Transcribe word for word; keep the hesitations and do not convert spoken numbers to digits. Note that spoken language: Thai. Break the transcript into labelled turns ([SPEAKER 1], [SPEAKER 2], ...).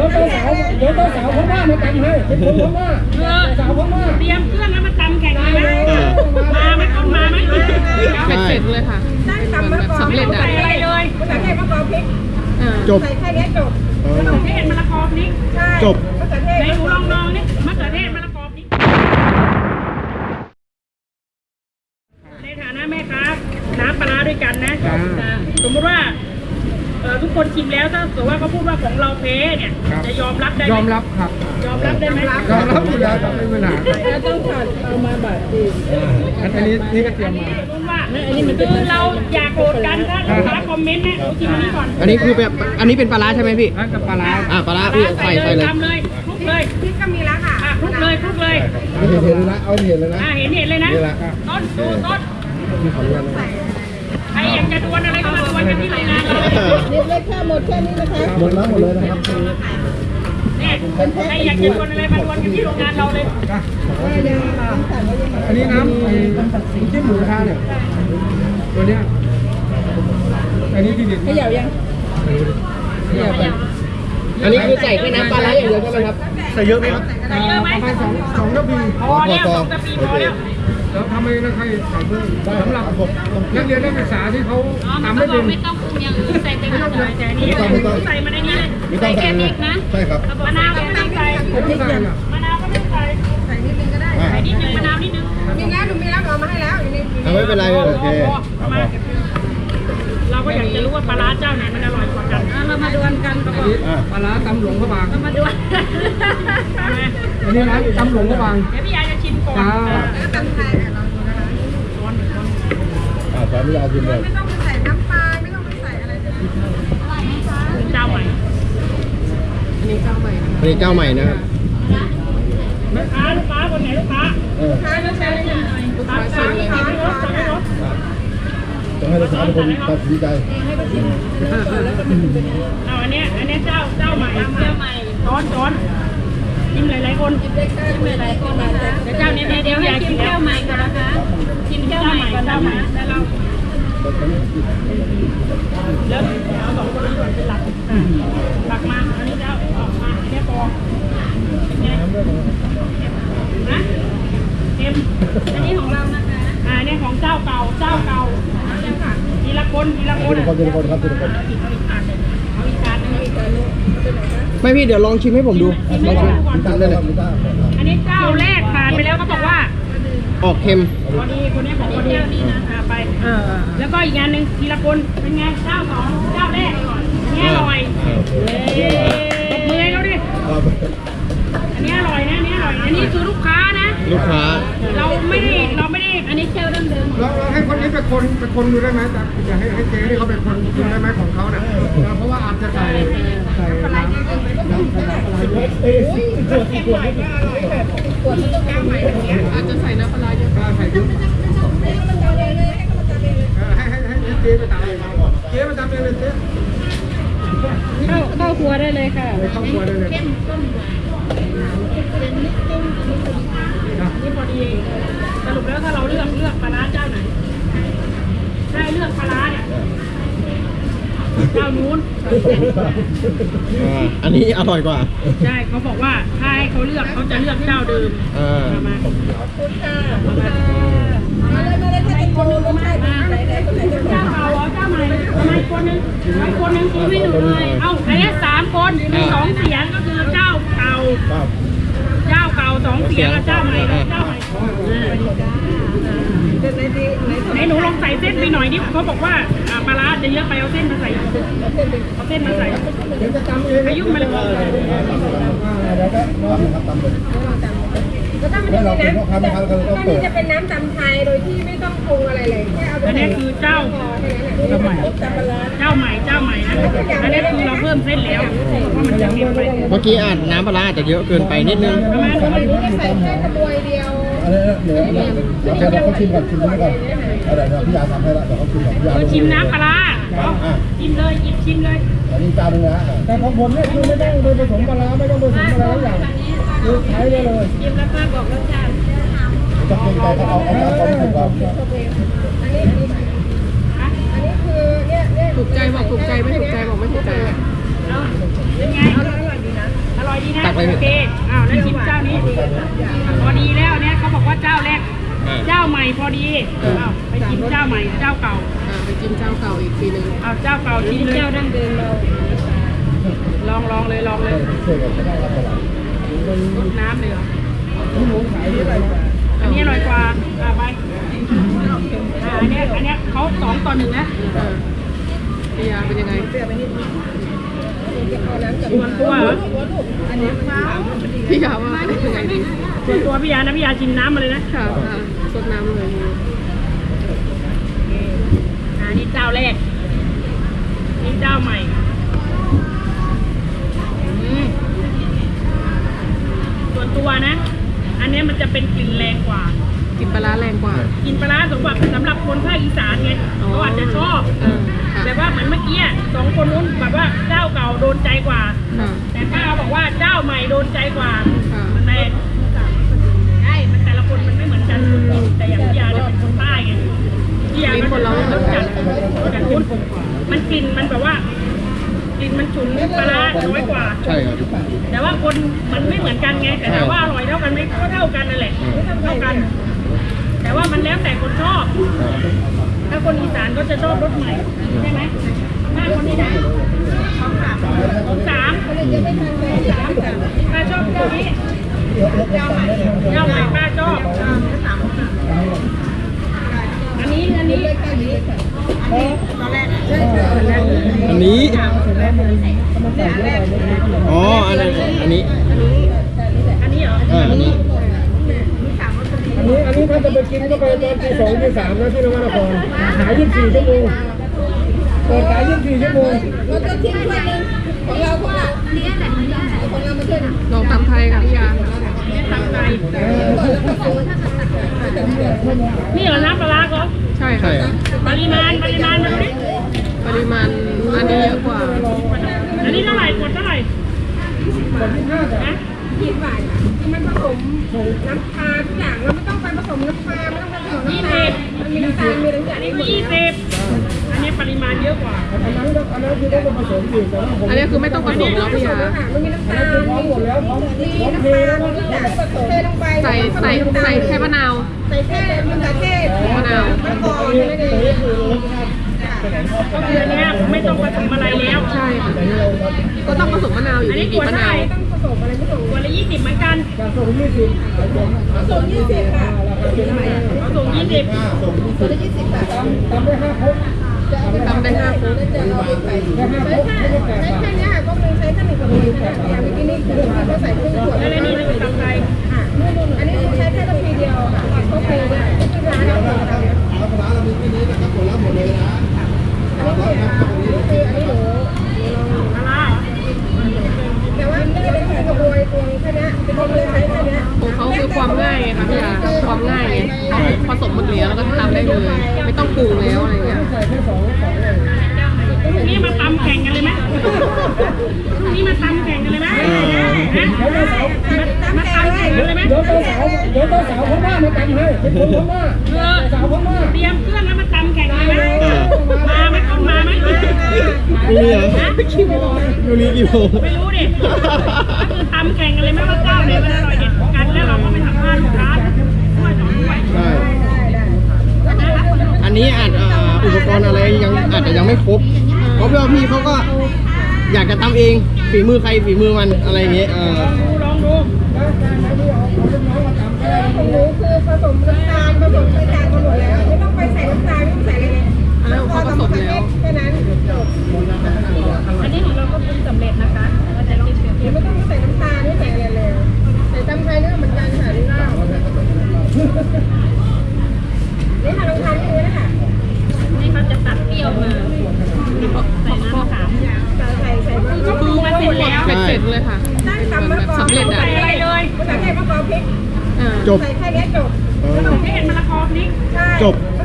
[SPEAKER 1] เจ้าสาวเดี๋ยวเจ้าสาวพม่ามาตำให้เป็นคนพม่าสาวพม่า
[SPEAKER 2] เตรียมเครื่องแล้วมาตำแข่งกันนะมาไหมต้นมาไหม
[SPEAKER 3] เสร็จเลยค่ะแบบสำเร็จอ่ะ
[SPEAKER 2] ใส่อะไรเลยมะเขือเทศมะกอกพริก
[SPEAKER 1] จบ
[SPEAKER 2] ใส่แค่นี้จบมะเขือเทศมะละกอพริก
[SPEAKER 1] จบ
[SPEAKER 2] มะเขือเทศในหนูลองลองนี่มะเขือเทศมะละกอพริกในฐานะแม่ค้าน้ำปลาด้วยกันนะสมมติว่าทุกคนชิมแล้วถ้าสมมติว่าเขาพูดว่าของเราเพ้เนี่ยจะยอมรับได้ไหม
[SPEAKER 1] ยอมรับครับ
[SPEAKER 2] ยอมรับได้ไหม
[SPEAKER 1] ยอมรับอยู่แล้วต้องไม่เป็นปัญหา
[SPEAKER 2] แล้วต้องผัดเอามาแบบดี
[SPEAKER 1] อันนี้นี่ก็เตรียมมา
[SPEAKER 2] อันนี้มันคือเราอยากโหลดกันถ้าลูกค้าคอมเมนต์นะชิมอันนี้ก่อน
[SPEAKER 3] อันนี้คือแบบอันนี้เป็นปลาร้าใช่ไหมพี่
[SPEAKER 1] นั่นกับปลาร้า
[SPEAKER 3] อ่าปลาร้าพี่ใส่ใส่เลย
[SPEAKER 2] ทำเลยคลุกเลยพริกก็มีแล้วค่ะคลุกเลยคลุกเลย
[SPEAKER 1] เห็นเห็นเลยนะเอาเห็นเลยนะ
[SPEAKER 2] อ่าเห็นเห็นเลยนะต้นดูต้นใครอยากจะดวลอะไรก็มาดวลกันที่โรงงานเลย
[SPEAKER 4] นี่เลยแค่หมดแค่นี้นะคะ
[SPEAKER 1] หมดแล้วหมดเลยนะครับ
[SPEAKER 2] เนี่ยใครอยากจะดวลอะไรมาดวลกันที่โรงงานเราเลย
[SPEAKER 1] อันนี้น้ำไอ้จิ้มหมูกระทะเนี่ยตัวเนี้ยอันนี้ที่เด็ด
[SPEAKER 4] ขยับยัง
[SPEAKER 3] ขยับไปอันนี้คือใส่แค่น้ำปลาร้าอย่างเดียวใช่ไหมครับ
[SPEAKER 1] ใส่เยอะไหมครับ
[SPEAKER 2] ใส่เยอะไหม
[SPEAKER 1] ประมาณสองสองกระบี่
[SPEAKER 2] พอแล้วสองกระบี่พอแล้ว
[SPEAKER 1] แล้วทำไมนะใครใส่เพิ่มสำหรับนักเรียนนักศึกษาที่เขาทำไม่เป็น
[SPEAKER 2] ไม่ต้องปรุงอย่างอื่นใส่เต็มเลยแต่นี่ใส่มาในนี้เลยใส่แค่พริกนะ
[SPEAKER 1] ใช่ครับ
[SPEAKER 2] มะนาวก็ไม่ต้องใส่มะนาวก็ไม่ต้องใส่ใส่นิดนึงก็ได้ใส่นิดนึงมะนาวนิดนึงมีแล้วหนูมีแล้วเอามาให้แล้วอยู่ใน
[SPEAKER 1] ไม่เป็นไรโอเค
[SPEAKER 2] เราก็อยากจะรู้ว่าปลาร้าเจ้าไหนมันอร่อยกว่ากันเรามาดวลกันก็บอก
[SPEAKER 1] ปลาร้าตำหลวงพระบาง
[SPEAKER 2] เรามาดวล
[SPEAKER 1] อันนี้ร้านตำหลวงพระบาง
[SPEAKER 2] เดี๋ยวพี่ยาจะชิมก่อนแล้วตำไทยเราดูนะคะช้อนช้อน
[SPEAKER 1] อ่าตอนนี้เอาชิมเลย
[SPEAKER 4] ไม่ต้องไปใส่น้ำปลาไม่ต้องไปใส่อะไรเลย
[SPEAKER 2] เจ้าใหม่
[SPEAKER 3] อันนี้เจ้าใหม่
[SPEAKER 1] อันนี้เจ้าใหม่นะครับ
[SPEAKER 2] ลูกค้าลูกค้าคนไหนลูกค้าลูกค้าลูกค้าลูกค้าสั่งเลยสั่งรถสั่งรถ
[SPEAKER 1] ต้องให้ลูกค้าเป็นคนตัดสินใจ
[SPEAKER 2] เอาอันนี้อันนี้เจ้าเจ้าใหม่เจ้าใหม่ช้อนช้อนชิมหลายๆคนชิมหลายๆคนนะคะเดี๋ยวเจ้านี้เดี๋ยวอยากชิมเจ้าใหม่ก่อนนะคะชิมเจ้าใหม่ก่อนเจ้าใหม่แล้วเราแล้วเอาสองคนนี้ก่อนเป็นหลักหลักมาอันนี้เจ้าออกมาแค่ปองไงนะเต็มอันนี้ของเรานะคะอ่าเนี่ยของเจ้าเก่าเจ้าเก่าทีละคนทีละคน
[SPEAKER 1] ทีละคนครับทีละคน
[SPEAKER 2] เอาอีกการนึงอีกการนึง
[SPEAKER 3] ไม่พี่เดี๋ยวลองชิมให้ผมดูลองชิม
[SPEAKER 2] อันนี้เจ้าแรกผ่านไปแล้วเขาบอกว่า
[SPEAKER 3] ออกเค็ม
[SPEAKER 2] พอดีคนนี้ของคนนี้นี่นะไปแล้วก็อีกงานหนึ่งทีละคนเป็นไงเจ้าสองเจ้าแรกนี่อร่อยตบมือให้เขาดิอันนี้อร่อยนะอันนี้อร่อยอันนี้คือลูกค้านะ
[SPEAKER 3] ลูกค้า
[SPEAKER 2] เราไม่ได้เราไม่ได้อันนี้เจ้าเดิมเดิม
[SPEAKER 1] เราเราให้คนนี้เป็นคนเป็นคนดูได้ไหมแต่อย่าให้ให้เจ๊เขาเป็นคนดูได้ไหมของเขาเนี่ยเพราะว่าอาจจะใส่ใส่น้ำน้ำอะไรเอ๊ะขวดขวดไม่อร่อยแบบขวดต้องการใหม่
[SPEAKER 3] อาจจะใส่น้ำปลาเยอะ
[SPEAKER 1] ใส่เยอะให้ให้ให้เจ๊ไปตามเลยเจ๊ไปตามเลยเจ๊
[SPEAKER 2] เข้าเข้าครัวได้เลยค่ะ
[SPEAKER 1] เข้าครัวได้เลย
[SPEAKER 2] นี่พอดีสรุปแล้วถ้าเราเลือกเลือกปลาร้าเจ้าไหนได้เลือกปลาร้าเนี่ยเจ้านู้น
[SPEAKER 3] อันนี้อร่อยกว่า
[SPEAKER 2] ใช่เขาบอกว่าถ้าให้เขาเลือกเขาจะเลือกเจ้าเดิมมา
[SPEAKER 4] ขอบคุณค่ะมาเลยมาเลยถ้าเป็นคนรู้รสชาติไหนไหนคนไหนจะ
[SPEAKER 2] เจ้าเก่าเจ้าใหม่ทำไมคนนึงไอ้คนนึงคือไม่หนูเลยเอ้าอันนี้สามคนมีสองเสียงก็คือเจ้าเก่าเจ้าเก่าสองเสียงกับเจ้าใหม่เจ้าใหม่ไหนหนูลองใส่เส้นไปหน่อยดิเขาบอกว่าปลาร้าจะเยอะไปเอาเส้นมาใส่เอาเส้นมาใส่อายุมันเลย
[SPEAKER 4] ก็ต้องมันจะมีน้ำตอนนี้จะเป็นน้ำตำไทยโดยที่ไม่ต้องปรุงอะไรเลยแค่เอาไป
[SPEAKER 2] อันนี้คือเจ้าเจ้าใหม่เจ้าใหม่เจ้าใหม่นะอันนี้คือเราเพิ่มเส้นแล้วเพราะมันจะเค็มไป
[SPEAKER 3] เมื่อกี้อ่านน้ำปลาอาจจะเยอะเกินไปนิดนึง
[SPEAKER 2] ประมาณประมาณนี้
[SPEAKER 4] ใส่แค่กระบวยเดียว
[SPEAKER 1] อะไรนะเดี๋ยวเดี๋ยวเขาชิมก่อนชิมก่อนอะไรเดี๋ยวพี่ยาทำให้ละเดี๋ยวเขาชิมก่อนพี่ยา
[SPEAKER 2] ชิมน้ำปลาชิมเลยหยิบชิมเลย
[SPEAKER 1] อันนี้จานนึงนะแต่ของผมเนี่ยคือไม่ต้องไปผสมปลาไม่ต้องผสมอะไรอย่างคือใช้ได้เลย
[SPEAKER 2] ชิมแล้วก็บอกรสชาติ
[SPEAKER 1] จะเป็นใจเขาเอาเอาเอาเอาก่อน
[SPEAKER 4] อันนี้อันนี้อันนี้คือเนี่ยเนี่ย
[SPEAKER 3] ถูกใจบอกถูกใจไม่ถูกใจบอกไม่ถูกใจ
[SPEAKER 2] เป็นไงอร่อยดีนะพอดีเอาไปกินเจ้าใหม่เจ้าเก่า
[SPEAKER 3] อ่าไปกินเจ้าเก่าอีกทีนึง
[SPEAKER 2] เอาเจ้าเก่าชิมเลย
[SPEAKER 4] เจ้าดั้งเดิมเรา
[SPEAKER 2] ลองลองเลยลองเลยรดน้ำเลยเหรออันนี้อร่อยกว่าอ่าไปอ่าอันเนี้ยอันเนี้ยเขาสองต่อหนึ่งนะ
[SPEAKER 3] อ่าพี่ยาเป็นยังไง
[SPEAKER 2] ส่วนตัวเหรอ
[SPEAKER 3] พี่ยาว่าเป็นยังไงดี
[SPEAKER 2] ส่วนตัวพี่ยานะพี่ยาชิมน้ำมาเลยนะ
[SPEAKER 3] ค่ะค่ะสดน้ำเลย
[SPEAKER 2] อ่านี่เจ้าแรกนี่เจ้าใหม่อืมส่วนตัวนะ อันเนี้ยมันจะเป็นกลิ่นแรงกว่า
[SPEAKER 3] กินปลาร้าแรงกว่า
[SPEAKER 2] กินปลาร้าสำหรับสำหรับคนภาคอีสานไง
[SPEAKER 3] อ๋อ
[SPEAKER 2] เขาอาจจะชอบ
[SPEAKER 3] เออค่ะ
[SPEAKER 2] แต่ว่าเหมือนเมื่อกี้อะสองคนนู้นแบบว่าเจ้าเก่าโดนใจกว่า
[SPEAKER 3] ค่ะ
[SPEAKER 2] แต่ป้าบอกว่าเจ้าใหม่โดนใจกว่า
[SPEAKER 3] ค่ะ
[SPEAKER 2] มันแรงใช่มันแต่ละคนมันไม่เหมือนกันแต่อย่างพี่ยาเนี่ยเป็นคนใต้ไงพี่ยาก็จะรสจัดแต่คุณมันกลิ่นมันแบบว่ากลิ่นมันฉุนปลาร้าน้อยกว่า
[SPEAKER 1] ใช่ครับ
[SPEAKER 2] แต่ว่าคนมันไม่เหมือนกันไงแต่ถามว่าอร่อยเท่ากันไหมก็เท่ากันนั่นแหละเท่ากัน แต่ว่ามันแล้วแต่คนชอบ ถ้าคนอีสานก็จะชอบรสใหม่ใช่ไหมถ้าคนนี้นะของสามของสามสามป้าชอบเจ้านี้เจ้าใหม่เจ้าใหม่ป้าชอบอันนี้อันนี้ตอนแรก
[SPEAKER 3] อันนี้ อ๋อ อันนั้นอันนี้
[SPEAKER 2] อันนี้เหรอ
[SPEAKER 3] อ่าอันนี้
[SPEAKER 1] อันนี้อันนี้ถ้าจะไปกินก็ไปตอนตีสองตีสามนะที่นวนครขายยี่สิบสี่ชั่วโมงเปิดขายยี่สิบสี่ชั่วโมง
[SPEAKER 4] เราจะทิ้งถ้วยหนึงของเราของเราของเรามาช่วยหนึ่ง
[SPEAKER 3] ลองตำไทยค่ะพี่ยา
[SPEAKER 2] ไม่ตำใจนี่เหรอน้ำปลาร้าก็
[SPEAKER 3] ใช่
[SPEAKER 1] ใช่
[SPEAKER 3] ค่ะ
[SPEAKER 1] ครับ
[SPEAKER 2] ปริมาณปริมาณมาดูดิ
[SPEAKER 3] ปริมาณอันนี้เยอะกว่า
[SPEAKER 2] อันนี้เท่าไหร่กดเท่าไหร่นะ
[SPEAKER 4] ยี่สิบบาทมันผสมน้ำปลาทุกอย่างเราไม่ต้องไปผสมน้ำปลาไม่ต้องไปผสมน้ำตาลมันมีน้ำตาลมีอะไรอย่าง
[SPEAKER 2] อัน
[SPEAKER 4] นี้
[SPEAKER 2] นี้คือยี่สิบอันนี้ปริมาณเยอะกว่า
[SPEAKER 1] อันนั้นก็อันนั้นคือต้องผสมอีกแต่ว่าผม
[SPEAKER 3] อันนี้คือไม่ต้องผสมแล้วพี่ยา
[SPEAKER 4] มันมีน้ำตาล
[SPEAKER 1] พร้อมหมดแล้วพร้อม
[SPEAKER 4] มี
[SPEAKER 1] พร้อม
[SPEAKER 4] น้ำ
[SPEAKER 1] เท
[SPEAKER 4] ตาล
[SPEAKER 1] แล้ว
[SPEAKER 4] มีน้ำตาลผสมเทลงไป
[SPEAKER 3] ใส่ใส่ใส่แค่มะนาว
[SPEAKER 4] ใส่แค่มะเขือเทศ
[SPEAKER 3] มะนาว
[SPEAKER 4] มะกอกไม่ได้
[SPEAKER 2] ก็คืออันเนี้ยไม่ต้องผสมอะไรแล้ว
[SPEAKER 3] ใช่ค่ะ ก็ต้องผสมมะนาวอยู่
[SPEAKER 2] อัน
[SPEAKER 3] ดี
[SPEAKER 2] นี้
[SPEAKER 3] บี
[SPEAKER 2] ข
[SPEAKER 3] บ
[SPEAKER 2] วด
[SPEAKER 3] มะ
[SPEAKER 2] เท่าไห
[SPEAKER 3] นาว
[SPEAKER 2] ร่
[SPEAKER 4] ต้องผสมอะไรผสม
[SPEAKER 2] ขวดละยี่สิบเหมือนกัน
[SPEAKER 1] การส่งยี่สิบ
[SPEAKER 4] ผสมยี่สิบค่ะ
[SPEAKER 2] เอาส่งยี่สิบ
[SPEAKER 4] ตัวละยี่สิบบาท
[SPEAKER 1] ทำได้ห้าครบ
[SPEAKER 3] ทำได้ห้าครบ
[SPEAKER 4] จะเอาไปใส่
[SPEAKER 1] ได้ห้าครบ
[SPEAKER 4] ใช้
[SPEAKER 1] ไม่
[SPEAKER 4] แค่
[SPEAKER 1] ได้แปด
[SPEAKER 4] ใช้
[SPEAKER 1] บาท
[SPEAKER 4] แค่นี้ค่ะก็คือใช้แค่หนึ่งกระปุกนะอย่างเมื่อกี้นี่คือเราใส่ครึ่งขวด
[SPEAKER 2] แล้วอันนี้เราไปทำอะไร
[SPEAKER 4] ค่ะอันนี้ใช้แค่กระปุกเดียวค่ะก็คือว่าที่ร้านเราเราเรา
[SPEAKER 1] เอาปลาเรามีที่นี้นะครับผลลัพธ์หมดเลยนะ
[SPEAKER 4] อันนี้คืออันนี้หนู
[SPEAKER 2] ปลาร้าเหรอ
[SPEAKER 4] แต่ว่าไม่ได้เป็นกระบวยตวงแค่นี้เป็นคนเลยใช้แค่นี้
[SPEAKER 3] ของเขาคือความง่ายไงค่ะพี่ยาความง่ายไงผสมหมดแล้วแล้วก็ทำได้เลย ไม่ต้องปรุงแล้วอะไรเงี้ย
[SPEAKER 1] ใส่แค่สองสองเลย
[SPEAKER 2] นี่มาตำแข่งกันเลยไหมนี่มาตำแข่งกันเลยไหมมาตำแข่งกันเลยไหม
[SPEAKER 1] เดี๋ยวเจ้าสาวเดี๋ยวเจ้าสาวพม่ามาตำให้เป็นคนพม่า
[SPEAKER 2] เออ
[SPEAKER 1] สาวพม่า
[SPEAKER 2] เตรียมเครื่องแล้วมาตำแข่งกันเลยไหมมาไหมต้องมาไหม
[SPEAKER 3] มีเหรอกี่โมงอยู่นี่กี่โมง
[SPEAKER 2] ไม่รู้ดิก็คือตำแข่งกันเลยไหมว่าเจ้าไหนมันอร่อยเด็ดกันแล้วเราก็ไปสัมภาษณ์ลูกค้าว่าจะรวย
[SPEAKER 1] ใช่
[SPEAKER 3] อันนี้อาจอ่าอุปกรณ์อะไรยังอาจจะยังไม่ครบ เพราะว่าพี่เขาก็อยากจะทำเองฝีมือใครฝีมือมันอะไรอย่างเงี้ยเออ
[SPEAKER 2] ลองดู
[SPEAKER 4] ของหนูคือผสมน้ำตาลผสมไส้จางมาหมดแล้วไม่ต้องไปใส่น้ำตาลไม่ต้องใส่อะไรเลย
[SPEAKER 3] อันนั้นเขาผสมแล้ว
[SPEAKER 4] แค่นั้นจบ
[SPEAKER 2] อันนี้ของเราก็ปรุงสำเร็จนะคะเราจะคิดเปรียบเที
[SPEAKER 4] เดี๋
[SPEAKER 2] ย
[SPEAKER 4] ยว
[SPEAKER 2] บ
[SPEAKER 4] ไม่ต้องใส่น้ำตาลไม่ใส่อะไรเลยใส่ตำไทยนี่ก็เหมือนกันค่ะนี่ก็นี่ค่ะลองทานดูนะคะ
[SPEAKER 2] นี่เขาจะตัดเปรี้ยวมาใส่น้ำมะขาม
[SPEAKER 4] ใส่ใส่มะ
[SPEAKER 2] ก็คือมันเสร็จแล้ว
[SPEAKER 3] เป็นเสร็จเลยค่ะ
[SPEAKER 4] ได้ตำมะกอก
[SPEAKER 3] สำเร็จอ่ะ
[SPEAKER 2] ใส่อะไรเลย
[SPEAKER 4] ภาษาไทยมะกอกพริก
[SPEAKER 3] อ่า
[SPEAKER 1] จบ
[SPEAKER 4] ใส่แค่นี้จบ
[SPEAKER 2] ไม่เห็นมะละกอพริก
[SPEAKER 4] ใช่
[SPEAKER 1] จบ